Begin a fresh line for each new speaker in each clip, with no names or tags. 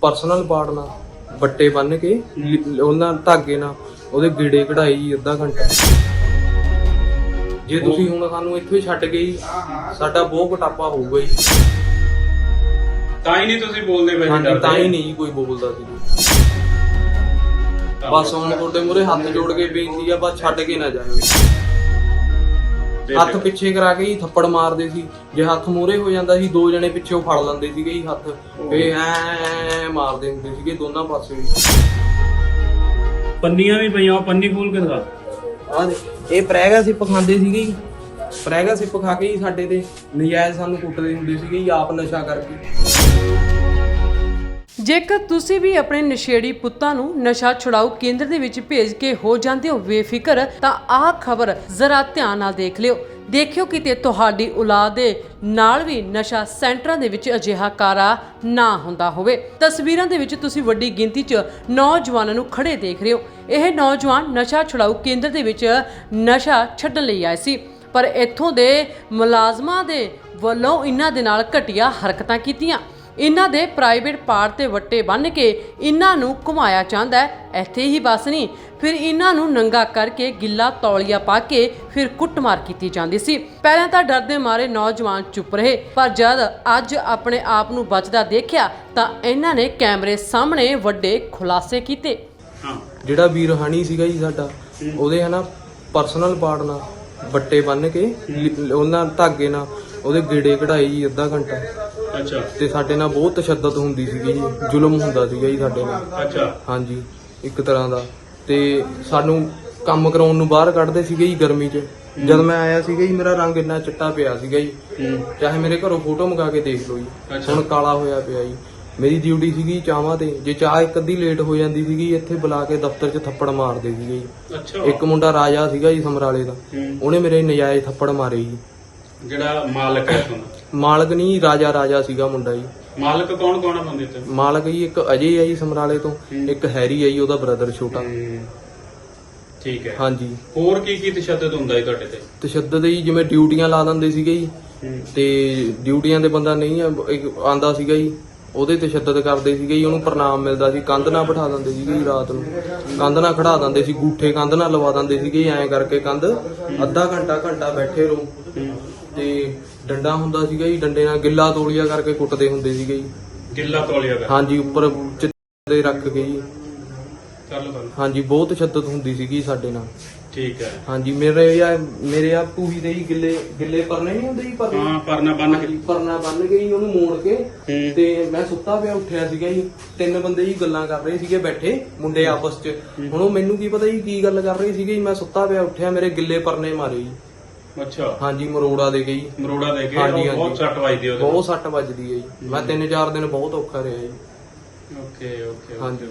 Personal part ਨਾਲ ਬੱਟੇ ਬੰਨ ਕੇ ਉਹਨਾਂ ਧਾਗੇ ਨਾਲ ਉਹਦੇ ਗੇੜੇ ਕਢਾਈ ਜੀ ਅੱਧਾ ਘੰਟਾ। ਜੇ ਤੁਸੀਂ ਹੁਣ ਸਾਨੂੰ ਇੱਥੇ ਛੱਡ ਗਏ ਸਾਡਾ ਬਹੁਤ ਘਟਾਪਾ ਹੋਊਗਾ ਜੀ।
ਤਾਂ ਹੀ ਨਹੀਂ ਤੁਸੀਂ ਬੋਲਦੇ ਪਏ?
ਹਾਂਜੀ, ਤਾਂ ਹੀ ਨਹੀਂ ਕੋਈ ਬੋਲਦਾ ਸੀ। ਬਸ ਹੁਣ ਤੁਹਾਡੇ ਮੂਹਰੇ ਹੱਥ ਜੋੜ ਕੇ ਬੇਨਤੀ ਆ, ਬਸ ਛੱਡ ਕੇ ਨਾ ਜਾਇਓ। ਹੱਥ ਪਿੱਛੇ ਕਰਾ ਕੇ ਹੀ ਥੱਪੜ ਮਾਰਦੇ ਸੀ। ਜੇ ਹੱਥ ਮੂਹਰੇ ਹੋ ਜਾਂਦਾ ਸੀ ਦੋ ਜਣੇ ਪਿੱਛੇ ਫੜ ਲੈਂਦੇ ਸੀਗੇ ਜੀ ਹੱਥ, ਫੇ ਐ ਮਾਰਦੇ ਹੁੰਦੇ ਸੀਗੇ ਦੋਨਾਂ ਪਾਸੇ ਵੀ।
ਪੰਨੀਆਂ ਵੀ ਪਈਆਂ, ਪੰਨੀ ਖੋਲ ਕੇ ਦਿਖਾ।
ਆਹ ਇਹ ਪ੍ਰੈਗਾ ਸਿਪ ਖਾਂਦੇ ਸੀਗੇ ਜੀ। ਪ੍ਰੈਗਾ ਸਿਪ ਖਾ ਕੇ ਹੀ ਸਾਡੇ ਤੇ ਨਜਾਇਜ਼ ਸਾਨੂੰ ਕੁੱਟਦੇ ਹੁੰਦੇ ਸੀਗੇ ਜੀ, ਆਪ ਨਸ਼ਾ ਕਰਕੇ।
ਜੇਕਰ ਤੁਸੀਂ ਵੀ ਆਪਣੇ ਨਸ਼ੇੜੀ ਪੁੱਤਾਂ ਨੂੰ ਨਸ਼ਾ ਛੁਡਾਊ ਕੇਂਦਰ ਦੇ ਵਿੱਚ ਭੇਜ ਕੇ ਹੋ ਜਾਂਦੇ ਹੋ ਬੇਫਿਕਰ, ਤਾਂ ਆਹ ਖਬਰ ਜ਼ਰਾ ਧਿਆਨ ਨਾਲ ਦੇਖ ਲਿਓ। ਦੇਖਿਓ ਕਿਤੇ ਤੁਹਾਡੀ ਔਲਾਦ ਦੇ ਨਾਲ ਵੀ ਨਸ਼ਾ ਸੈਂਟਰਾਂ ਦੇ ਵਿੱਚ ਅਜਿਹਾ ਕਾਰਾ ਨਾ ਹੁੰਦਾ ਹੋਵੇ। ਤਸਵੀਰਾਂ ਦੇ ਵਿੱਚ ਤੁਸੀਂ ਵੱਡੀ ਗਿਣਤੀ 'ਚ ਨੌਜਵਾਨਾਂ ਨੂੰ ਖੜੇ ਦੇਖ ਰਹੇ ਹੋ। ਇਹ ਨੌਜਵਾਨ ਨਸ਼ਾ ਛੁਡਾਊ ਕੇਂਦਰ ਦੇ ਵਿੱਚ ਨਸ਼ਾ ਛੱਡਣ ਲਈ ਆਏ ਸੀ, ਪਰ ਇੱਥੋਂ ਦੇ ਮੁਲਾਜ਼ਮਾਂ ਦੇ ਵੱਲੋਂ ਇਹਨਾਂ ਦੇ ਨਾਲ ਘਟੀਆ ਹਰਕਤਾਂ ਕੀਤੀਆਂ। ਇਹਨਾਂ ਦੇ ਪ੍ਰਾਈਵੇਟ ਪਾਰਟ ਤੇ ਵੱਟੇ ਬੰਨ੍ਹ ਕੇ ਇਹਨਾਂ ਨੂੰ ਘੁਮਾਇਆ ਜਾਂਦਾ ਹੈ। ਇੱਥੇ ਹੀ ਬਸ ਨਹੀਂ, ਫਿਰ ਇਹਨਾਂ ਨੂੰ ਨੰਗਾ ਕਰਕੇ ਗਿੱਲਾ ਤੌਲੀਆ ਪਾ ਕੇ ਫਿਰ ਕੁੱਟਮਾਰ ਕੀਤੀ ਜਾਂਦੀ ਸੀ। ਪਹਿਲਾਂ ਤਾਂ ਡਰ ਦੇ ਮਾਰੇ ਨੌਜਵਾਨ ਚੁੱਪ ਰਹੇ, ਪਰ ਜਦ ਅੱਜ ਆਪਣੇ ਆਪ ਨੂੰ ਬਚਦਾ ਦੇਖਿਆ ਤਾਂ ਇਹਨਾਂ ਨੇ ਕੈਮਰੇ ਸਾਹਮਣੇ ਵੱਡੇ ਖੁਲਾਸੇ ਕੀਤੇ।
ਜਿਹੜਾ ਵੀਰ ਹਾਣੀ ਸੀਗਾ ਜੀ ਸਾਡਾ, ਉਹਦੇ ਹਨਾ ਪਰਸਨਲ ਪਾਰਟ ਨਾਲ ਬੱਟੇ ਬੰਨ ਕੇ ਉਹਨਾਂ ਧਾਗੇ ਨਾਲ ਉਹਦੇ ਗੇੜੇ ਕਢਾਈ ਜੀ ਅੱਧਾ ਘੰਟਾ।
ਅੱਛਾ।
ਤੇ ਸਾਡੇ ਨਾਲ ਬਹੁਤ ਤਸ਼ੱਦਦ ਹੁੰਦੀ ਸੀਗੀ ਜੀ, ਜ਼ੁਲਮ ਹੁੰਦਾ ਸੀਗਾ ਜੀ ਸਾਡੇ ਨਾਲ।
ਅੱਛਾ।
ਹਾਂਜੀ, ਇੱਕ ਤਰ੍ਹਾਂ ਦਾ। ਤੇ ਸਾਨੂੰ ਕੰਮ ਕਰਾਉਣ ਨੂੰ ਬਾਹਰ ਕੱਢਦੇ ਸੀਗੇ ਜੀ ਗਰਮੀ 'ਚ। ਜਦ ਮੈਂ ਆਇਆ ਸੀਗਾ ਜੀ ਮੇਰਾ ਰੰਗ ਇੰਨਾ ਚਿੱਟਾ ਪਿਆ ਸੀਗਾ ਜੀ, ਚਾਹੇ ਮੇਰੇ ਘਰੋਂ ਫੋਟੋ ਮੰਗਾ ਕੇ ਦੇਖ ਲਓ ਜੀ, ਹੁਣ ਕਾਲਾ ਹੋਇਆ ਪਿਆ ਜੀ। ਮੇਰੀ ਡਿਊਟੀ ਸੀਗੀ ਚਾਹਾਂ ਤੇ, ਜੇ ਚਾਹ ਇੱਕ ਅੱਧੀ ਲੇਟ ਹੋ ਜਾਂਦੀ ਸੀਗੀ ਇੱਥੇ ਬੁਲਾ ਕੇ ਦਫ਼ਤਰ 'ਚ ਥੱਪੜ ਮਾਰਦੇ ਸੀਗੇ ਜੀ। ਇੱਕ ਮੁੰਡਾ ਰਾਜਾ ਸੀਗਾ ਜੀ ਸਮਰਾਲੇ ਦਾ, ਉਹਨੇ ਮੇਰੇ ਨਜਾਇਜ਼ ਥੱਪੜ ਮਾਰੇ ਜੀ।
ਜਿਹੜਾ ਮਾਲਕ ਹੈ ਤੁਹਾਨੂੰ?
ਮਾਲਕ ਨਹੀਂ, ਰਾਜਾ ਸੀਗਾ ਮੁੰਡਾ ਜੀ।
ਮਾਲਕ ਕੌਣ ਕੌਣ ਆ ਬੰਦੇ ਤੇ?
ਮਾਲਕ ਜੀ ਇੱਕ ਅਜੇ ਆ ਜੀ ਸਮਰਾਲੇ ਤੋਂ, ਇੱਕ ਹੈਰੀ ਆ ਜੀ ਉਹਦਾ ਬ੍ਰਦਰ ਛੋਟਾ।
ਠੀਕ ਹੈ।
ਹਾਂਜੀ।
ਹੋਰ ਕੀ ਕੀ ਤਸ਼ੱਦਦ ਹੁੰਦਾ ਹੈ ਤੁਹਾਡੇ ਤੇ?
ਤਸ਼ੱਦਦ ਜੀ ਜਿਵੇਂ ਡਿਊਟੀਆਂ ਲਾ ਦਿੰਦੇ ਸੀਗੇ ਜੀ, ਤੇ ਡਿਊਟੀਆਂ ਦੇ ਬੰਦਾ ਨਹੀਂ ਆਂਦਾ ਸੀਗਾ ਜੀ, ਉਹਦੇ ਤਸ਼ੱਦਦ ਕਰਦੇ ਸੀਗੇ ਜੀ। ਉਹਨੂੰ ਪ੍ਰਣਾਮ ਮਿਲਦਾ ਸੀ, ਕੰਧ ਨਾਲ ਬਿਠਾ ਦਿੰਦੇ ਸੀਗੇ ਜੀ, ਰਾਤ ਨੂੰ ਕੰਧ ਨਾਲ ਖੜਾ ਦਿੰਦੇ ਸੀ, ਗੂਠੇ ਕੰਧ ਨਾਲ ਲਵਾ ਦਿੰਦੇ ਸੀਗੇ ਐਂ ਕਰਕੇ ਕੰਧ ਅੱਧਾ ਘੰਟਾ ਬੈਠੇ ਰਹੋ। ਤੇ ਡੰਡਾ ਹੁੰਦਾ ਸੀਗਾ ਜੀ, ਡੰਡੇ ਨਾਲ ਗਿੱਲਾ ਤੌਲੀਆ ਕਰਕੇ ਕੁੱਟਦੇ ਹੁੰਦੇ ਸੀਗੇ ਜੀ।
ਗਿੱਲਾ ਤੌਲੀਆ ਕਰ?
ਹਾਂਜੀ, ਉੱਪਰ ਚਿੱਤੇ ਰੱਖ ਕੇ ਜੀ।
ਚੱਲ।
ਹਾਂਜੀ, ਬਹੁਤ ਤਸ਼ੱਦਦ ਹੁੰਦੀ ਸੀਗੀ ਸਾਡੇ ਨਾਲ।
ਠੀਕ ਹੈ।
ਹਾਂਜੀ, ਮੇਰੇ ਆ ਟੂਹੀ ਦੇ ਹੀ ਗਿੱਲੇ ਪਰਨੇ ਨਹੀਂ ਹੁੰਦੇ ਜੀ,
ਪਰਨਾ
ਬੰਨ ਕੇ ਜੀ ਉਹਨੂੰ ਮੋੜ ਕੇ। ਤੇ ਮੈਂ ਸੁੱਤਾ ਪਿਆ ਉੱਠਿਆ ਸੀਗਾ ਜੀ, ਤਿੰਨ ਬੰਦੇ ਜੀ ਗੱਲਾਂ ਕਰ ਰਹੇ ਸੀਗੇ ਬੈਠੇ ਮੁੰਡੇ ਆਪਸ 'ਚ। ਹੁਣ ਉਹ ਮੈਨੂੰ ਕੀ ਪਤਾ ਜੀ ਕੀ ਗੱਲ ਕਰ ਰਹੇ ਸੀਗੇ ਜੀ। ਮੈਂ ਸੁੱਤਾ ਪਿਆ ਉੱਠਿਆ, ਮੇਰੇ ਗਿੱਲੇ ਪਰਨੇ ਮਾਰੇ ਜੀ।
ਅੱਛਾ।
ਹਾਂਜੀ, ਮਰੋੜਾ ਦੇ ਗਈ।
ਹਾਂਜੀ, ਬਹੁਤ ਸੱਟ ਵੱਜਦੀ ਉਹਦੇ?
ਬਹੁਤ ਸੱਟ ਵੱਜਦੀ ਹੈ ਜੀ। ਮੈਂ 3-4 ਦਿਨ ਬਹੁਤ ਔਖਾ ਰਿਹਾ ਜੀ।
ਓਕੇ।
ਹਾਂਜੀ।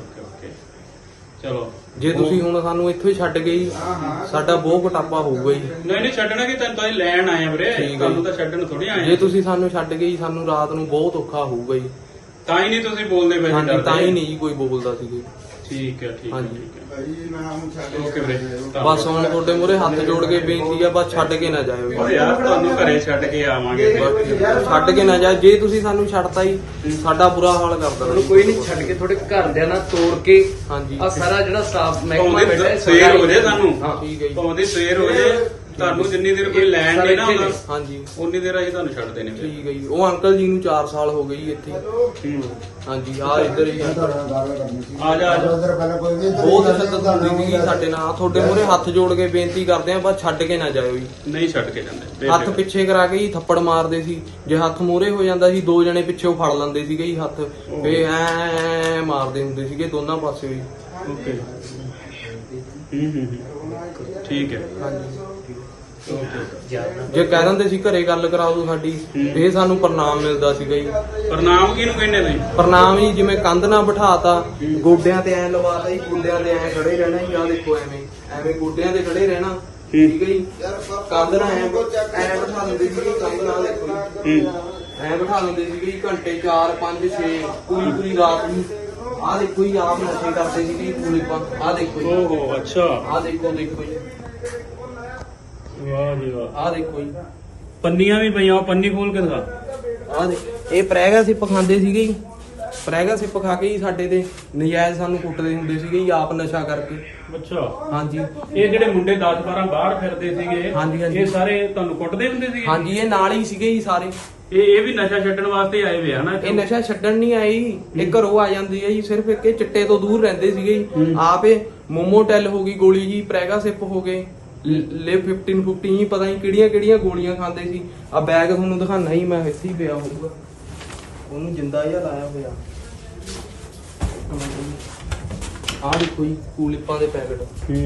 ਚਲੋ,
ਜੇ ਤੁਸੀਂ ਹੁਣ ਸਾਨੂੰ ਇੱਥੇ ਛੱਡ ਗਏ ਸਾਡਾ ਬਹੁਤ ਘਟਾਪਾ ਹੋਊਗਾ ਜੀ।
ਨਹੀਂ ਛੱਡਣਾ ਕਿ ਤੈਨੂੰ ਤਾਂ ਲੈਣ ਆਏ ਆ ਵੀਰੇ, ਤੁਹਾਨੂੰ ਤਾਂ ਛੱਡਣ ਥੋੜੀ ਆਏ।
ਜੇ ਤੁਸੀਂ ਸਾਨੂੰ ਛੱਡ ਗਏ ਸਾਨੂੰ ਰਾਤ ਨੂੰ ਬਹੁਤ ਔਖਾ ਹੋਊਗਾ ਜੀ।
ਤਾਂ ਹੀ ਨਹੀਂ ਤੁਸੀਂ ਬੋਲਦੇ ਪਏ?
ਹਾਂਜੀ, ਤਾਂ ਹੀ ਨਹੀਂ ਕੋਈ ਬੋਲਦਾ ਸੀਗੇ।
ਠੀਕ ਹੈ।
ਹਾਂਜੀ।
ਓਕੇ ਵੀਰੇ,
ਬਸ ਹੁਣ ਤੁਹਾਡੇ ਮੂਹਰੇ ਹੱਥ ਜੋੜ ਕੇ ਬੇਨਤੀ ਆ, ਬਸ ਛੱਡ ਕੇ ਨਾ ਜਾਇਓ
ਯਾਰ। ਤੁਹਾਨੂੰ ਘਰੇ ਛੱਡ ਕੇ ਆਵਾਂਗੇ।
ਛੱਡ ਕੇ ਨਾ ਜਾ। ਜੇ ਤੁਸੀਂ ਸਾਨੂੰ ਛੱਡਤਾ ਹੀ ਸਾਡਾ ਬੁਰਾ ਹਾਲ ਕਰ ਦੇਣਾ।
ਕੋਈ ਨਹੀਂ, ਛੱਡ ਕੇ ਥੋੜੇ ਘਰਦਿਆਂ ਨਾਲ ਤੋੜ ਕੇ।
ਹਾਂਜੀ।
ਆ ਸਾਰਾ ਜਿਹੜਾ ਸਟਾਫ ਮਹਿਕਮਾ ਬੈਠਾ ਹੈ,
ਸਵੇਰ ਹੋ ਜਾਏ ਸਾਨੂੰ।
ਠੀਕ ਹੈ ਜੀ।
ਭਾਵੇਂ ਸਵੇਰ ਹੋ ਜਾਏ, ਤੁਹਾਨੂੰ ਜਿੰਨੀ ਦੇਰ ਕੋਈ ਲੈਣ ਨਹੀਂ ਨਾ ਆਉਂਦਾ
ਹਾਂਜੀ
ਉਨੀ ਦੇਰ ਅਸੀਂ ਤੁਹਾਨੂੰ ਛੱਡਦੇ ਨੇ।
ਠੀਕ ਹੈ ਜੀ। ਉਹ ਅੰਕਲ ਜੀ ਨੂੰ 4 ਸਾਲ ਹੋ ਗਏ ਜੀ ਇੱਥੇ। ਹਾਂਜੀ, ਆ ਇੱਧਰ ਹੀ
ਆ ਜਾ।
ਬਹੁਤ ਤਸ਼ੱਦਦ ਹੁੰਦੀ ਸੀਗੀ ਸਾਡੇ ਨਾਲ। ਤੁਹਾਡੇ ਮੂਹਰੇ ਹੱਥ ਜੋੜ ਕੇ ਬੇਨਤੀ ਕਰਦੇ ਆ, ਬਸ ਛੱਡ ਕੇ ਨਾ ਜਾਇਓ ਜੀ।
ਨਹੀਂ ਛੱਡ ਕੇ ਜਾਂਦੇ।
ਹੱਥ ਪਿੱਛੇ ਕਰਾ ਕੇ ਹੀ ਥੱਪੜ ਮਾਰਦੇ ਸੀ। ਜੇ ਹੱਥ ਮੂਹਰੇ ਹੋ ਜਾਂਦਾ ਸੀ ਦੋ ਜਣੇ ਪਿੱਛੇ ਫੜ ਲੈਂਦੇ ਸੀਗੇ ਜੀ ਹੱਥ, ਫੇ ਐ ਮਾਰਦੇ ਹੁੰਦੇ ਸੀਗੇ ਦੋਨਾਂ ਪਾਸੇ ਵੀ।
ਓਕੇ। ਠੀਕ ਹੈ।
ਹਾਂਜੀ। ਜੇ ਕਹਿ ਦਿੰਦੇ ਸੀ ਘਰੇ ਗੱਲ ਕਰਾ ਦਿਓ ਸਾਡੀ, ਇਹ ਸਾਨੂੰ ਪ੍ਰਣਾਮ ਮਿਲਦਾ ਸੀਗਾ ਜੀ।
ਪ੍ਰਣਾਮ ਕਿਹਨੂੰ ਕਹਿੰਦੇ ਤੁਸੀਂ?
ਪ੍ਰਣਾਮ ਹੀ ਜਿਵੇਂ ਕੰਧ ਨਾਲ ਬਿਠਾਤਾ, ਗੋਡਿਆਂ ਤੇ ਐ ਲਵਾਤਾ ਜੀ, ਗੋਡਿਆਂ ਤੇ ਐ ਖੜੇ ਰਹਿਣਾ ਜੀ। ਆਹ ਦੇਖੋ ਐਵੇਂ ਗੋਡਿਆਂ ਤੇ ਖੜੇ ਰਹਿਣਾ। ਠੀਕ ਹੈ ਜੀ। ਕੰਧ ਨਾਲ ਐ ਬਿਠਾ ਦਿੰਦੇ ਸੀਗੇ, ਕੰਧ ਨਾਲ ਦੇਖੋ ਜੀ ਐ ਬਿਠਾ ਦਿੰਦੇ ਸੀਗੇ ਜੀ ਘੰਟੇ 4, 5, 6 ਪੂਰੀ ਰਾਤ ਨੂੰ। ਆਹ ਦੇਖੋ ਜੀ, ਆਪ ਨਸ਼ੇ ਕਰਦੇ ਸੀਗੇ ਪੂਰੇ। ਆਹ ਦੇਖੋ ਜੀ।
ਓਹੋ, ਅੱਛਾ।
ਆਹ ਦੇਖੋ ਜੀ।
ਵਾਹ ਜੀ ਵਾਹ।
ਆਹ ਦੇਖੋ ਜੀ,
ਪੰਨੀਆਂ ਵੀ ਪਈਆਂ, ਪੰਨੀ ਖੋਲ ਕੇ ਦਿਖਾ।
ਆਹ ਦੇ ਇਹ ਪ੍ਰੈਗਾ ਸਿਪ ਖਾਂਦੇ ਸੀਗੇ ਜੀ। ਪ੍ਰੈਗਾ ਸਿਪ ਖਾ ਕੇ ਹੀ ਸਾਡੇ ਤੇ ਨਜਾਇਜ਼ ਸਾਨੂੰ ਕੁੱਟਦੇ ਹੁੰਦੇ ਸੀਗੇ ਜੀ, ਆਪ ਨਸ਼ਾ ਕਰਕੇ।
ਅੱਛਾ,
ਹਾਂਜੀ
ਇਹ ਜਿਹੜੇ ਮੁੰਡੇ 10-12 ਬਾਹਰ ਫਿਰਦੇ ਸੀਗੇ,
ਹਾਂਜੀ, ਹਾਂਜੀ।
ਇਹ ਸਾਰੇ ਤੁਹਾਨੂੰ ਕੁੱਟਦੇ ਹੁੰਦੇ ਸੀਗੇ?
ਹਾਂਜੀ, ਇਹ ਨਾਲ ਹੀ ਸੀਗੇ ਜੀ ਸਾਰੇ।
ਇਹ ਵੀ ਨਸ਼ਾ ਛੱਡਣ ਵਾਸਤੇ ਆਏ ਵੇ ਹਨਾ?
ਇਹ ਨਸ਼ਾ ਛੱਡਣ ਨਹੀਂ ਆਏ ਜੀ, ਇਹ ਘਰੋਂ ਆ ਜਾਂਦੇ ਆ ਜੀ, ਸਿਰਫ ਇੱਕ ਇਹ ਚਿੱਟੇ ਤੋਂ ਦੂਰ ਰਹਿੰਦੇ ਸੀਗੇ ਜੀ। ਆਪ ਇਹ ਮੋਮੋਟੈਲ ਹੋ ਗਈ ਗੋਲੀ ਜੀ, ਪ੍ਰੈਗਾ ਸਿਪ ਹੋ ਗਏ, ਲਿਵ 15 ਹੀ ਪਤਾ ਨਹੀਂ ਕਿਹੜੀਆਂ ਕਿਹੜੀਆਂ ਗੋਲੀਆਂ ਖਾਂਦੇ ਸੀ। ਆ ਬੈਗ ਤੁਹਾਨੂੰ ਦਿਖਾਣਾ ਹੀ, ਮੈਂ ਇੱਥੇ ਹੀ ਪਿਆ ਹੋਊਗਾ, ਉਹਨੂੰ ਜਿੰਦਾ ਜਿਹਾ ਲਾਇਆ ਹੋਇਆ। ਆਹ ਦੇਖੋ ਜੀ ਕੂਲਿਪਾਂ ਦੇ ਪੈਕਟ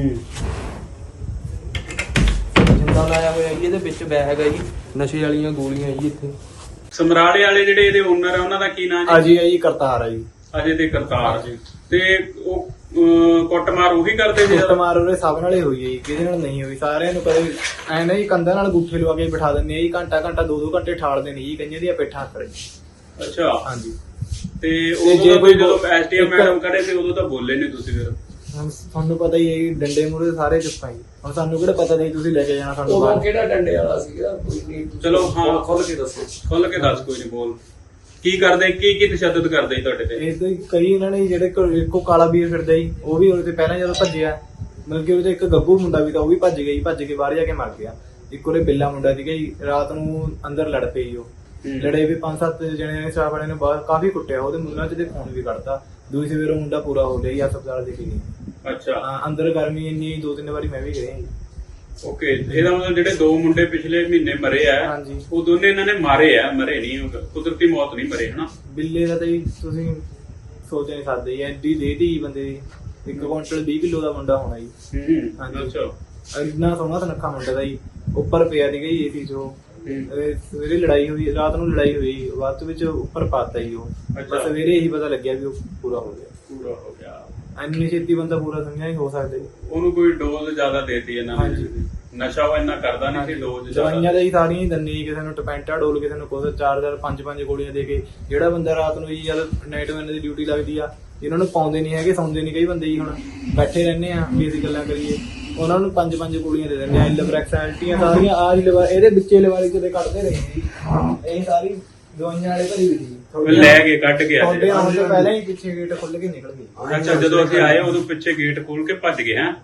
ਜਿੰਦਾ ਲਾਇਆ ਹੋਇਆ ਜੀ, ਇਹਦੇ ਵਿੱਚ ਬੈਗ ਹੈ ਜੀ, ਨਸ਼ੇ ਵਾਲੀਆਂ ਗੋਲੀਆਂ ਜੀ। ਇੱਥੇ
ਸਮਰਾਲੇ ਵਾਲੇ ਜਿਹੜੇ ਇਹਦੇ ਓਨਰ ਆ, ਉਹਨਾਂ ਦਾ ਕੀ ਨਾਮ ਜੀ?
ਅਜੇ ਹੈ ਜੀ, ਕਰਤਾਰ ਆ ਜੀ।
ਅਜੇ ਤੇ ਕਰਤਾਰ ਜੀ। ਤੇ ਉਹ ਕੁੱਟਮਾਰ ਉਹੀ ਕਰਦੇ ਸੀ?
ਕੁੱਟਮਾਰ ਉਹਦੇ ਸਭ ਨਾਲ ਹੀ ਹੋਈ ਹੈ ਜੀ, ਕਿਸੇ ਨਾਲ ਨਹੀਂ ਹੋਈ। ਸਾਰਿਆਂ ਨੂੰ ਕਦੇ ਐ ਨਾ ਜੀ ਕੰਧਾਂ ਨਾਲ ਗੁੱਠੇ ਲਵਾ ਕੇ ਬਿਠਾ ਦਿੰਦੇ ਆ ਜੀ, ਘੰਟਾ 2-2 ਘੰਟੇ ਠਾਲਦੇ ਨੇ ਜੀ, ਕਈਆਂ ਦੀਆਂ ਪਿੱਠਾਂ ਕਰ ਜੀ।
ਅੱਛਾ,
ਹਾਂਜੀ।
ਤੇ ਜੇ ਕੋਈ ਜਦੋਂ ਐਸਟੀਐਮ ਮੈਡਮ ਕਰੇ ਤੇ ਉਦੋਂ ਤਾਂ ਬੋਲੇ ਨਹੀਂ ਤੁਸੀਂ ਫਿਰ?
ਹੁਣ ਤੁਹਾਨੂੰ ਪਤਾ ਹੀ ਹੈ ਜੀ, ਡੰਡੇ ਮੂਹਰੇ ਸਾਰੇ ਚੁੱਪ ਆ ਜੀ। ਹੁਣ ਸਾਨੂੰ ਕਿਹੜਾ ਪਤਾ ਨਹੀਂ ਤੁਸੀਂ ਲੈ ਕੇ ਜਾਣਾ ਸਾਨੂੰ
ਉਹ
ਬਾਹਰ।
ਕਿਹੜਾ ਡੰਡੇ ਵਾਲਾ ਸੀਗਾ? ਕੋਈ ਨਹੀਂ,
ਚਲੋ ਹਾਂ,
ਖੁੱਲ ਕੇ ਦੱਸੋ।
ਖੁੱਲ ਕੇ ਦੱਸ, ਕੋਈ ਨਹੀਂ, ਬੋਲ। ਕੀ ਕਰਦੇ, ਕੀ ਤਸ਼ੱਦਦ ਕਰਦੇ ਸੀ ਤੁਹਾਡੇ ਤੇ?
ਇਹ ਤਾਂ ਕਈ ਇਹਨਾਂ ਨੇ ਜਿਹੜੇ ਇੱਕੋ ਕਾਲਾ ਵੀਰ ਫਿਰਦਾ ਜੀ, ਉਹ ਵੀ ਉਹਦੇ ਤੇ ਪਹਿਲਾਂ ਜਦੋਂ ਭੱਜਿਆ, ਮਤਲਬ ਕਿ ਉਹਦੇ ਇੱਕ ਗੱਗੂ ਮੁੰਡਾ ਵੀ ਤਾਂ ਉਹ ਵੀ ਭੱਜ ਗਿਆ ਜੀ, ਭੱਜ ਕੇ ਬਾਹਰ ਜਾ ਕੇ ਮਰ ਗਿਆ। ਇੱਕ ਉਹਦੇ ਬਿੱਲਾ ਮੁੰਡਾ ਸੀਗਾ ਜੀ, ਰਾਤ ਨੂੰ ਅੰਦਰ ਲੜ ਪਈ ਜੀ। ਉਹ ਲੜੇ ਵੀ 5-7 ਜਣੇ ਨੇ, ਸਟਾਫ ਵਾਲਿਆਂ ਨੇ ਬਾਹਰ ਕਾਫੀ ਕੁੱਟਿਆ, ਉਹਦੇ ਮੂੰਹਾਂ 'ਚ ਤੇ ਖੂਨ ਵੀ ਕੱਢਤਾ। ਦੂਜੀ ਸਵੇਰ ਉਹ ਮੁੰਡਾ ਪੂਰਾ ਹੋ ਗਿਆ ਜੀ, ਹਸਪਤਾਲ ਦੇ ਕੇ।
ਅੱਛਾ,
ਅੰਦਰ ਗਰਮੀ ਇੰਨੀ 2-3 ਵਾਰੀ ਮੈਂ ਵੀ ਗਿਆ ਜੀ।
ਓਕੇ, ਇਹਦਾ ਮਤਲਬ ਜਿਹੜੇ 2 ਮੁੰਡੇ ਪਿਛਲੇ ਮਹੀਨੇ ਮਰੇ ਆ,
ਹਾਂਜੀ।
ਉਹ ਦੋਨੇ ਇਹਨਾਂ ਨੇ ਮਾਰੇ ਆ? ਮਰੇ ਨਹੀਂ, ਕੁਦਰਤੀ ਮੌਤ ਨਹੀਂ ਮਰੇ ਹਨਾ?
ਬਿੱਲੇ ਦਾ ਤਾਂ ਜੀ ਤੁਸੀਂ ਸੋਚ ਨਹੀਂ ਸਕਦੇ ਜੀ, ਐਡੀ ਦੇਹੀ ਬੰਦੇ ਦੀ। 1 ਕੁਇੰਟਲ 20 ਕਿਲੋ ਦਾ ਮੁੰਡਾ ਹੋਣਾ ਜੀ। ਹਾਂਜੀ।
ਅੱਛਾ,
ਇੰਨਾ ਸੋਹਣਾ ਸੁਨੱਖਾ ਮੁੰਡਾ ਦਾ ਜੀ, ਉੱਪਰ ਪਿਆ ਸੀਗਾ ਜੀ ਏਸੀ 'ਚ। ਉਹ ਸਵੇਰੇ ਲੜਾਈ ਹੋਈ, ਰਾਤ ਨੂੰ ਲੜਾਈ ਹੋਈ, ਬਾਅਦ ਵਿੱਚ ਉੱਪਰ ਪਾਤਾ ਜੀ ਉਹ। ਬਸ ਸਵੇਰੇ ਇਹੀ ਪਤਾ ਲੱਗਿਆ ਵੀ ਉਹ ਪੂਰਾ ਹੋ ਗਿਆ। ਇੰਨੀ ਛੇਤੀ ਬੰਦਾ ਪੂਰਾ ਸਮਝਿਆ ਨਹੀਂ ਹੋ ਸਕਦਾ ਜੀ।
ਉਹਨੂੰ ਕੋਈ ਡੋਜ਼ ਜ਼ਿਆਦਾ ਦੇਤੀ ਇਹਨਾਂ ਨੇ?
ਹਾਂਜੀ।
ਨਸ਼ਾ ਉਹ ਇੰਨਾ ਕਰਦਾ ਨਹੀਂ ਸੀ, ਡੋਜ਼
ਦਵਾਈਆਂ ਤਾਂ ਜੀ ਸਾਰੀਆਂ ਹੀ ਦਿੰਦੇ ਜੀ, ਕਿਸੇ ਨੂੰ ਟਪੈਂਟਾ ਡੋਲ, ਕਿਸੇ ਨੂੰ ਕੁਛ 4-4 5-5 ਗੋਲੀਆਂ ਦੇ ਕੇ। ਜਿਹੜਾ ਬੰਦਾ ਰਾਤ ਨੂੰ ਜੀ ਜਦ ਨਾਈਟ ਮੈਨ ਦੀ ਡਿਊਟੀ ਲੱਗਦੀ ਆ, ਇਹਨਾਂ ਨੂੰ ਪਾਉਂਦੇ ਨਹੀਂ ਹੈਗੇ, ਸੌਂਦੇ ਨਹੀਂ ਕਈ ਬੰਦੇ ਜੀ। ਹੁਣ ਬੈਠੇ ਰਹਿੰਦੇ ਆ ਵੀ ਅਸੀਂ ਗੱਲਾਂ ਕਰੀਏ, ਉਹਨਾਂ ਨੂੰ 5-5 ਗੋਲੀਆਂ ਦੇ ਦਿੰਦੇ ਆ। ਲਿਵਰੈਕਸ ਐਲਟੀਆਂ ਸਾਰੀਆਂ ਆ ਜੀ, ਇਹਦੇ ਵਿੱਚੇ ਲਿਵਾਰੀ ਕਿਤੇ ਕੱਢਦੇ ਰਹੇ ਜੀ। ਇਹ ਸਾਰੀ ਦਵਾਈਆਂ ਵਾਲੇ ਭਰੀ ਹੋਈ ਸੀ,
ਲੈ ਕੇ ਕੱਢ ਕੇ
ਤੁਹਾਡੇ ਆਉਣ ਤੋਂ ਪਹਿਲਾਂ ਹੀ ਪਿੱਛੇ ਗੇਟ ਖੁੱਲ ਕੇ ਨਿਕਲ ਗਏ।
ਅੱਛਾ, ਜਦੋਂ ਅਸੀਂ ਆਏ ਉਦੋਂ ਪਿੱਛੇ ਗੇਟ ਖੋਲ ਕੇ ਭੱਜ ਗਏ। ਹੈ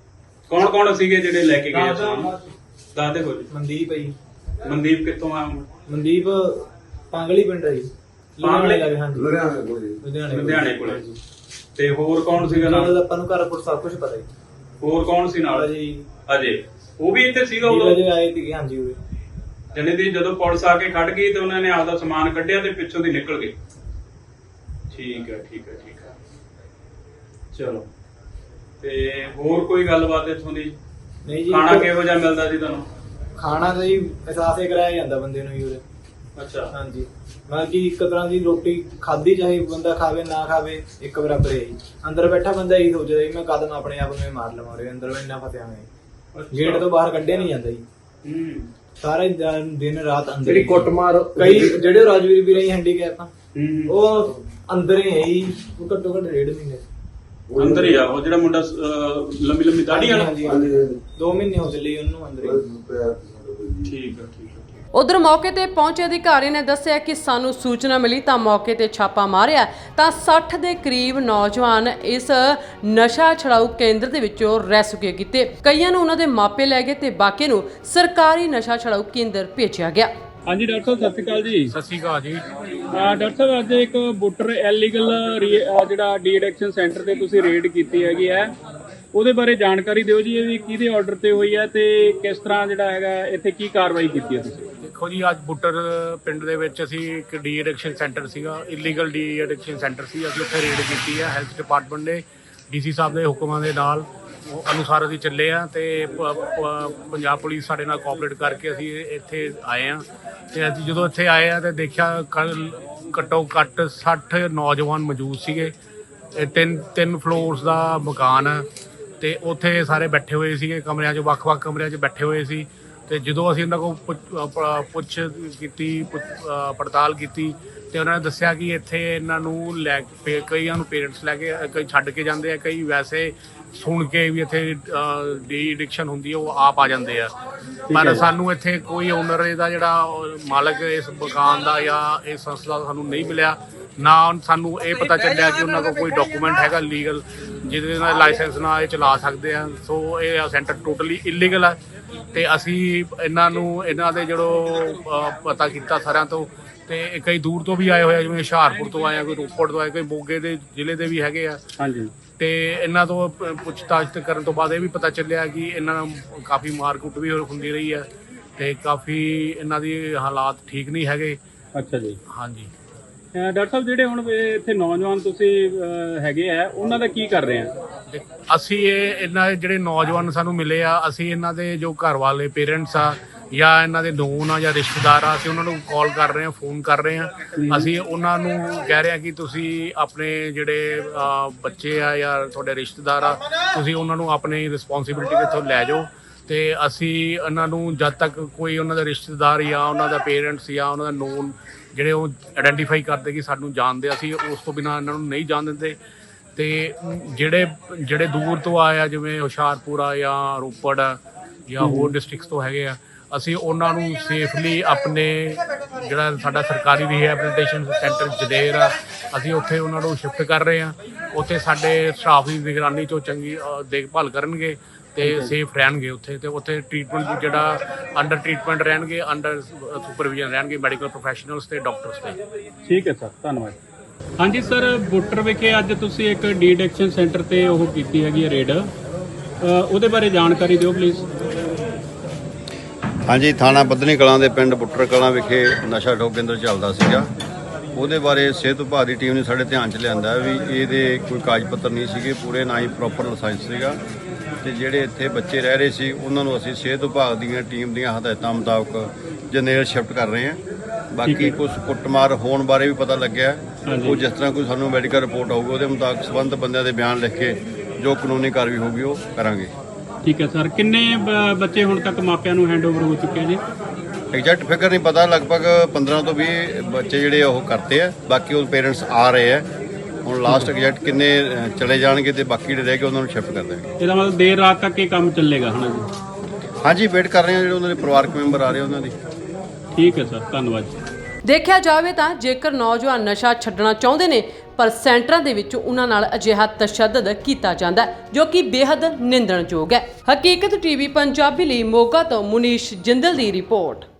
ਕੌਣ ਸੀਗੇ ਜਿਹੜੇ ਲੈ ਕੇ ਗਏ? ਦੱਸਦੇ ਹੋ ਜੀ।
ਮਨਦੀਪ ਹੈ ਜੀ।
ਮਨਦੀਪ ਕਿੱਥੋਂ ਆ?
ਮਨਦੀਪ ਪਾਂਗਲੀ ਪਿੰਡ ਹੈ ਜੀ।
ਪਾਂਗਲੀ?
ਹਾਂਜੀ,
ਲੁਧਿਆਣੇ ਕੋਲੇ। ਤੇ ਹੋਰ ਕੌਣ ਸੀਗਾ ਨਾਲ?
ਆਪਾਂ ਨੂੰ ਘਰ ਸਭ ਕੁਝ ਪਤਾ ਜੀ।
ਹੋਰ ਕੌਣ ਸੀ ਨਾਲ? ਅਜੇ ਉਹ ਵੀ ਇੱਥੇ ਸੀਗਾ
ਉਦੋਂ?
ਉਦੋਂ
ਆਏ ਸੀਗੇ, ਹਾਂਜੀ। ਉਰੇ
ਜਣੇ ਦੀ ਜਦੋਂ ਪੁਲਿਸ ਆ ਕੇ ਖੜ ਗਈ ਤੇ ਉਹਨਾਂ ਨੇ ਆਪਦਾ ਸਮਾਨ ਕੱਢਿਆ ਤੇ ਪਿੱਛੋਂ ਦੀ ਨਿਕਲ ਗਏ। ਠੀਕ ਹੈ। ਚਲੋ, ਤੇ ਹੋਰ ਕੋਈ ਗੱਲਬਾਤ ਇੱਥੋਂ ਦੀ?
ਨਹੀਂ ਜੀ।
ਖਾਣਾ ਕਿਹੋ ਜਿਹਾ ਮਿਲਦਾ ਸੀ ਤੁਹਾਨੂੰ?
ਖਾਣਾ ਤਾਂ ਜੀ ਅਹਿਸਾਸ ਹੀ ਕਰਾਇਆ ਜਾਂਦਾ ਬੰਦੇ ਨੂੰ ਜੀ ਉਰੇ।
ਅੱਛਾ,
ਹਾਂਜੀ। ਮਤਲਬ ਕਿ ਇੱਕ ਤਰ੍ਹਾਂ ਦੀ ਰੋਟੀ ਖਾਧੀ, ਚਾਹੇ ਬੰਦਾ ਖਾਵੇ ਨਾ ਖਾਵੇ, ਇੱਕ ਬਰਾਬਰ ਹੈ ਜੀ। ਅੰਦਰ ਬੈਠਾ ਬੰਦਾ ਇਹੀ ਸੋਚਦਾ ਜੀ ਮੈਂ ਕਦਮ ਆਪਣੇ ਆਪ ਨੂੰ ਮਾਰ ਲਵਾਂ, ਉਰੇ ਅੰਦਰ ਇੰਨਾ ਫਸਿਆ ਹੋਇਆ। ਗੇਟ ਤੋਂ ਬਾਹਰ ਕੱਢਿਆ ਨਹੀਂ ਜਾਂਦਾ ਜੀ। ਸਾਰਾ ਦਿਨ ਰਾਤ ਅੰਦਰ।
ਜਿਹੜੀ ਕੁੱਟਮਾਰ,
ਕਈ ਜਿਹੜੇ ਰਾਜਵੀਰ ਵੀਰ ਹੈਂਡੀਕੈਪ ਆ, ਉਹ ਅੰਦਰ ਹੀ ਹੈ ਜੀ। ਉਹ ਘੱਟੋ ਘੱਟ 1.5 ਮਹੀਨੇ
ਅੰਦਰ ਹੀ ਆ। ਉਹ ਜਿਹੜਾ ਮੁੰਡਾ ਲੰਮੀ ਦਾੜੀ ਵਾਲਾ?
2 ਮਹੀਨੇ ਹੋ ਚੱਲੇ ਉਹਨੂੰ ਅੰਦਰ ਹੀ।
ਠੀਕ ਹੈ।
ਉਧਰ ਮੌਕੇ ਤੇ ਪਹੁੰਚੇ ਅਧਿਕਾਰੀ ਨੇ ਦੱਸਿਆ ਕਿ ਸਾਨੂੰ ਸੂਚਨਾ ਮਿਲੀ ਤਾਂ ਮੌਕੇ ਤੇ ਛਾਪਾ ਮਾਰਿਆ ਤਾਂ 60 ਦੇ ਕਰੀਬ ਨੌਜਵਾਨ ਇਸ ਨਸ਼ਾ ਛੁਡਾਊ ਕੇਂਦਰ ਦੇ ਵਿੱਚੋਂ ਰੈਸਕਿਊ ਕੀਤੇ। ਕਈਆਂ ਨੂੰ ਉਹਨਾਂ ਦੇ ਮਾਪੇ ਲੈ ਗਏ ਤੇ ਬਾਕੀ ਨੂੰ ਸਰਕਾਰੀ ਨਸ਼ਾ ਛੁਡਾਊ ਕੇਂਦਰ ਭੇਜਿਆ ਗਿਆ।
ਹਾਂਜੀ ਡਾਕਟਰ ਸਾਹਿਬ, ਸਤਿ ਸ਼੍ਰੀ ਅਕਾਲ ਜੀ।
ਸਤਿ ਸ਼੍ਰੀ ਅਕਾਲ ਜੀ।
ਡਾਕਟਰ ਸਾਹਿਬ, ਅੱਜ ਇੱਕ ਬੁੱਟਰ ਇਲੀਗਲ ਜਿਹੜਾ ਡੀ ਐਡਿਕਸ਼ਨ ਸੈਂਟਰ ਤੇ ਤੁਸੀਂ ਰੇਡ ਕੀਤੀ ਹੈਗੀ ਹੈ, ਉਹਦੇ ਬਾਰੇ ਜਾਣਕਾਰੀ ਦਿਓ ਜੀ। ਇਹ ਵੀ ਕਿਹਦੇ ਆਰਡਰ ਤੇ ਹੋਈ ਹੈ ਤੇ ਕਿਸ ਤਰ੍ਹਾਂ ਜਿਹੜਾ ਹੈਗਾ ਇੱਥੇ ਕੀ ਕਾਰਵਾਈ ਕੀਤੀ ਹੈ ਤੁਸੀਂ?
ਦੇਖੋ ਜੀ, ਅੱਜ ਬੁੱਟਰ ਪਿੰਡ ਦੇ ਵਿੱਚ ਅਸੀਂ ਇੱਕ ਡੀ ਐਡਿਕਸ਼ਨ ਸੈਂਟਰ ਸੀਗਾ, ਇਲੀਗਲ ਡੀ ਐਡਿਕਸ਼ਨ ਸੈਂਟਰ ਸੀ। ਅਸੀਂ ਉੱਥੇ ਰੇਡ ਕੀਤੀ ਹੈ ਹੈਲਥ ਡਿਪਾਰਟਮੈਂਟ ਦੇ ਡੀਸੀ ਸਾਹਿਬ ਦੇ ਹੁਕਮਾਂ ਦੇ ਨਾਲ ਅਨੁਸਾਰ ਅਸੀਂ ਚੱਲੇ ਆ ਤੇ ਪੰਜਾਬ ਪੁਲਿਸ ਸਾਡੇ ਨਾਲ ਕੋਆਪਰੇਟ ਕਰਕੇ ਅਸੀਂ ਇੱਥੇ ਆਏ ਆ। ਤੇ ਅਸੀਂ ਜਦੋਂ ਇੱਥੇ ਆਏ ਆ ਤੇ ਦੇਖਿਆ ਘੱਟੋ ਘੱਟ 60 ਨੌਜਵਾਨ ਮੌਜੂਦ ਸੀਗੇ। ਇਹ ਤਿੰਨ ਫਲੋਰਸ ਦਾ ਮਕਾਨ ਤੇ ਉੱਥੇ ਸਾਰੇ ਬੈਠੇ ਹੋਏ ਸੀਗੇ ਕਮਰਿਆਂ 'ਚ, ਵੱਖ-ਵੱਖ ਕਮਰਿਆਂ 'ਚ ਬੈਠੇ ਹੋਏ ਸੀ। ਤੇ ਜਦੋਂ ਅਸੀਂ ਉਹਨਾਂ ਕੋਲ ਪੁੱਛ ਕੀਤੀ, ਪੜਤਾਲ ਕੀਤੀ ਤੇ ਉਹਨਾਂ ਨੇ ਦੱਸਿਆ ਕਿ ਇੱਥੇ ਇਹਨਾਂ ਨੂੰ ਕਈਆਂ ਨੂੰ ਪੇਰੈਂਟਸ ਲੈ ਕੇ, ਕਈ ਛੱਡ ਕੇ ਜਾਂਦੇ ਆ, ਕਈ ਵੈਸੇ ਸੁਣ ਕੇ ਵੀ ਇੱਥੇ ਡੀ ਐਡਿਕਸ਼ਨ ਹੁੰਦੀ ਹੈ ਉਹ ਆਪ ਆ ਜਾਂਦੇ ਆ। ਪਰ ਸਾਨੂੰ ਇੱਥੇ ਕੋਈ ਓਨਰ ਇਹਦਾ ਜਿਹੜਾ ਮਾਲਕ ਇਸ ਮਕਾਨ ਦਾ ਜਾਂ ਇਸ ਸੰਸਥਾ ਦਾ ਸਾਨੂੰ ਨਹੀਂ ਮਿਲਿਆ। ਨਾ ਸਾਨੂੰ ਇਹ ਪਤਾ ਚੱਲਿਆ ਕਿ ਉਹਨਾਂ ਕੋਲ ਕੋਈ ਡਾਕੂਮੈਂਟ ਹੈਗਾ ਲੀਗਲ ਜਿਹਦੇ ਨਾਲ ਲਾਇਸੈਂਸ ਨਾਲ ਇਹ ਚਲਾ ਸਕਦੇ ਆ। ਸੋ ਇਹ ਸੈਂਟਰ ਟੋਟਲੀ ਇਲੀਗਲ ਆ ਤੇ ਅਸੀਂ ਇਹਨਾਂ ਦੇ ਜਿਹੜੋ ਪਤਾ ਕੀਤਾ ਸਾਰਿਆਂ ਤੋਂ, ਤੇ ਕਈ ਦੂਰ ਤੋਂ ਵੀ ਆਏ ਹੋਏ ਆ, ਜਿਵੇਂ ਹੁਸ਼ਿਆਰਪੁਰ ਤੋਂ ਆਏ ਆ, ਕੋਈ ਰੋਪੜ ਤੋਂ ਆਏ, ਕੋਈ ਮੋਗੇ ਦੇ ਜ਼ਿਲ੍ਹੇ ਦੇ ਵੀ ਹੈਗੇ ਆ।
ਹਾਂਜੀ।
ਤੇ ਇਹਨਾਂ ਤੋਂ ਪੁੱਛਤਾਛ ਕਰਨ ਤੋਂ ਬਾਅਦ ਇਹ ਵੀ ਪਤਾ ਚੱਲਿਆ ਕਿ ਇਹਨਾਂ ਨਾਲ ਕਾਫੀ ਮਾਰਕੁੱਟ ਵੀ ਹੁੰਦੀ ਰਹੀ ਹੈ ਤੇ ਕਾਫੀ ਇਹਨਾਂ ਦੀ ਹਾਲਾਤ ਠੀਕ ਨਹੀਂ ਹੈਗੇ।
ਅੱਛਾ ਜੀ।
ਹਾਂਜੀ।
ਡਾਕਟਰ ਸਾਹਿਬ, ਜਿਹੜੇ ਹੁਣ ਇੱਥੇ ਨੌਜਵਾਨ ਤੁਸੀਂ ਹੈਗੇ ਆ, ਉਹਨਾਂ ਦਾ ਕੀ ਕਰ ਰਹੇ ਆ?
ਅਸੀਂ ਇਹਨਾਂ ਜਿਹੜੇ ਨੌਜਵਾਨ ਸਾਨੂੰ ਮਿਲੇ ਆ, ਅਸੀਂ ਇਹਨਾਂ ਦੇ ਜੋ ਘਰ ਵਾਲੇ ਪੇਰੈਂਟਸ ਆ ਜਾਂ ਇਹਨਾਂ ਦੇ ਨੋਨ ਆ ਜਾਂ ਰਿਸ਼ਤੇਦਾਰ ਆ, ਅਸੀਂ ਉਹਨਾਂ ਨੂੰ ਕਾਲ ਕਰ ਰਹੇ ਹਾਂ, ਫੋਨ ਕਰ ਰਹੇ ਹਾਂ। ਅਸੀਂ ਉਹਨਾਂ ਨੂੰ ਕਹਿ ਰਹੇ ਹਾਂ ਕਿ ਤੁਸੀਂ ਆਪਣੇ ਜਿਹੜੇ ਬੱਚੇ ਆ ਜਾਂ ਤੁਹਾਡੇ ਰਿਸ਼ਤੇਦਾਰ ਆ, ਤੁਸੀਂ ਉਹਨਾਂ ਨੂੰ ਆਪਣੀ ਰਿਸਪੌਂਸਿਬਿਲਿਟੀ ਇੱਥੋਂ ਲੈ ਜਾਓ ਤੇ ਅਸੀਂ ਇਹਨਾਂ ਨੂੰ ਜਦ ਤੱਕ ਕੋਈ ਉਹਨਾਂ ਦਾ ਰਿਸ਼ਤੇਦਾਰ ਜਾਂ ਉਹਨਾਂ ਦਾ ਪੇਰੈਂਟਸ ਜਾਂ ਉਹਨਾਂ ਦਾ ਨੋਨ ਜਿਹੜੇ ਉਹ ਆਇਡੈਂਟੀਫਾਈ ਕਰਦੇ ਕਿ ਸਾਨੂੰ ਜਾਣਦੇ, ਅਸੀਂ ਉਸ ਤੋਂ ਬਿਨਾਂ ਇਹਨਾਂ ਨੂੰ ਨਹੀਂ ਜਾਣ ਦਿੰਦੇ। ਤੇ ਜਿਹੜੇ ਦੂਰ ਤੋਂ ਆਏ ਆ, ਜਿਵੇਂ ਹੁਸ਼ਿਆਰਪੁਰ ਆ ਜਾਂ ਰੋਪੜ ਆ ਜਾਂ ਹੋਰ ਡਿਸਟ੍ਰਿਕਟਸ ਤੋਂ ਹੈਗੇ ਆ, ਅਸੀਂ ਉਹਨਾਂ ਨੂੰ ਸੇਫਲੀ ਆਪਣੇ ਜਿਹੜਾ ਸਾਡਾ ਸਰਕਾਰੀ ਰੀਹੈਬਿਲਿਟੇਸ਼ਨ ਸੈਂਟਰ ਜਦੇਰ ਆ, ਅਸੀਂ ਉੱਥੇ ਉਹਨਾਂ ਨੂੰ ਸ਼ਿਫਟ ਕਰ ਰਹੇ ਹਾਂ। ਉੱਥੇ ਸਾਡੇ ਸਟਾਫ ਦੀ ਨਿਗਰਾਨੀ 'ਚੋਂ ਚੰਗੀ ਦੇਖਭਾਲ ਕਰਨਗੇ ਤੇ ਸੇਫ ਰਹਿਣਗੇ ਉੱਥੇ। ਤੇ ਉੱਥੇ ਟ੍ਰੀਟਮੈਂਟ ਜਿਹੜਾ ਅੰਡਰ ਟ੍ਰੀਟਮੈਂਟ ਰਹਿਣਗੇ, ਅੰਡਰ ਸੁਪਰਵਿਜ਼ਨ ਰਹਿਣਗੇ ਮੈਡੀਕਲ ਪ੍ਰੋਫੈਸ਼ਨਲਸ ਤੇ ਡਾਕਟਰਸ ਤੇ।
ਠੀਕ ਹੈ ਸਰ, ਧੰਨਵਾਦ। ਹਾਂਜੀ ਸਰ, ਬੁੱਟਰ ਵਿਖੇ ਅੱਜ ਤੁਸੀਂ ਇੱਕ ਡੀ ਐਡਿਕਸ਼ਨ ਸੈਂਟਰ ਤੇ ਉਹ ਕੀਤੀ ਹੈਗੀ ਰੇਡ, ਉਹਦੇ ਬਾਰੇ ਜਾਣਕਾਰੀ ਦਿਓ ਪਲੀਜ਼।
ਹਾਂਜੀ, ਥਾਣਾ ਬੱਧਨੀ ਕਲਾਂ ਦੇ ਪਿੰਡ ਬੁੱਟਰ ਕਲਾਂ ਵਿਖੇ ਨਸ਼ਾ ਠੋਕ ਕੇਂਦਰ ਚੱਲਦਾ ਸੀਗਾ। ਉਹਦੇ ਬਾਰੇ ਸਿਹਤ ਵਿਭਾਗ ਦੀ ਟੀਮ ਨੇ ਸਾਡੇ ਧਿਆਨ 'ਚ ਲਿਆਂਦਾ ਵੀ ਇਹਦੇ ਕੋਈ ਕਾਗਜ਼ ਪੱਤਰ ਨਹੀਂ ਸੀਗੇ ਪੂਰੇ, ਨਾ ਹੀ ਪ੍ਰੋਪਰ ਲਾਇਸੈਂਸ ਸੀਗਾ। ਤੇ ਜਿਹੜੇ ਇੱਥੇ ਬੱਚੇ ਰਹਿ ਰਹੇ ਸੀ ਉਹਨਾਂ ਨੂੰ ਅਸੀਂ ਸਿਹਤ ਵਿਭਾਗ ਦੀਆਂ ਟੀਮ ਦੀਆਂ ਹਦਾਇਤਾਂ ਮੁਤਾਬਕ ਜਨੇਲ ਸ਼ਿਫਟ ਕਰ ਰਹੇ ਹਾਂ। ਬਾਕੀ ਕੁਝ ਕੁੱਟਮਾਰ ਹੋਣ ਬਾਰੇ ਵੀ ਪਤਾ ਲੱਗਿਆ, ਉਹ ਜਿਸ ਤਰ੍ਹਾਂ ਕੋਈ ਸਾਨੂੰ ਮੈਡੀਕਲ ਰਿਪੋਰਟ ਆਊਗੀ ਉਹਦੇ ਮੁਤਾਬਕ ਸੰਬੰਧਿਤ ਬੰਦਿਆਂ ਦੇ ਬਿਆਨ ਲਿਖ ਕੇ ਜੋ ਕਾਨੂੰਨੀ ਕਾਰਵਾਈ ਹੋਊਗੀ ਉਹ ਕਰਾਂਗੇ।
ਠੀਕ ਹੈ ਸਰ, ਕਿੰਨੇ ਬੱਚੇ ਹੁਣ ਤੱਕ ਮਾਪਿਆਂ ਨੂੰ ਹੈਂਡਓਵਰ ਹੋ ਚੁੱਕੇ ਜੀ?
ਐਗਜ਼ੈਕਟ ਫਿਗਰ ਨਹੀਂ ਪਤਾ, ਲਗਭਗ 15 ਤੋਂ 20 ਬੱਚੇ ਜਿਹੜੇ ਉਹ ਕਰਤੇ ਆ, ਬਾਕੀ ਉਹ ਪੇਰੈਂਟਸ ਆ ਰਹੇ ਆ। ਹੁਣ ਲਾਸਟ ਐਗਜ਼ੈਕਟ ਕਿੰਨੇ ਚਲੇ ਜਾਣਗੇ ਤੇ ਬਾਕੀ ਜਿਹੜੇ ਰਹਿ ਗਏ ਉਹਨਾਂ ਨੂੰ ਸ਼ਿਫਟ ਕਰ ਦੇਵਾਂਗੇ।
ਇਹਦਾ ਮਤਲਬ ਦੇਰ ਰਾਤ ਤੱਕ ਇਹ ਕੰਮ ਚੱਲੇਗਾ ਹਨਾ ਜੀ?
ਹਾਂਜੀ, ਵੇਟ ਕਰ ਰਹੇ ਹਾਂ ਜਿਹੜੇ ਉਹਨਾਂ ਦੇ ਪਰਿਵਾਰਕ ਮੈਂਬਰ ਆ ਰਹੇ ਉਹਨਾਂ ਦੀ।
ਠੀਕ ਹੈ ਸਰ, ਧੰਨਵਾਦ।
ਦੇਖਿਆ ਜਾਵੇ ਤਾਂ ਜੇਕਰ ਨੌਜਵਾਨ ਨਸ਼ਾ ਛੱਡਣਾ ਚਾਹੁੰਦੇ ਨੇ ਪਰ ਸੈਂਟਰਾਂ ਦੇ ਵਿੱਚ ਉਹਨਾਂ ਨਾਲ ਅਜਿਹਾ ਤਸ਼ੱਦਦ ਕੀਤਾ ਜਾਂਦਾ ਹੈ ਜੋ ਕਿ ਬੇहद ਨਿੰਦਣਯੋਗ ਹੈ। ਹਕੀਕਤ ਟੀਵੀ ਪੰਜਾਬੀ ਲਈ ਮੋਗਾ ਤੋਂ ਮੁਨੀਸ਼ ਜਿੰਦਲ ਦੀ ਰਿਪੋਰਟ।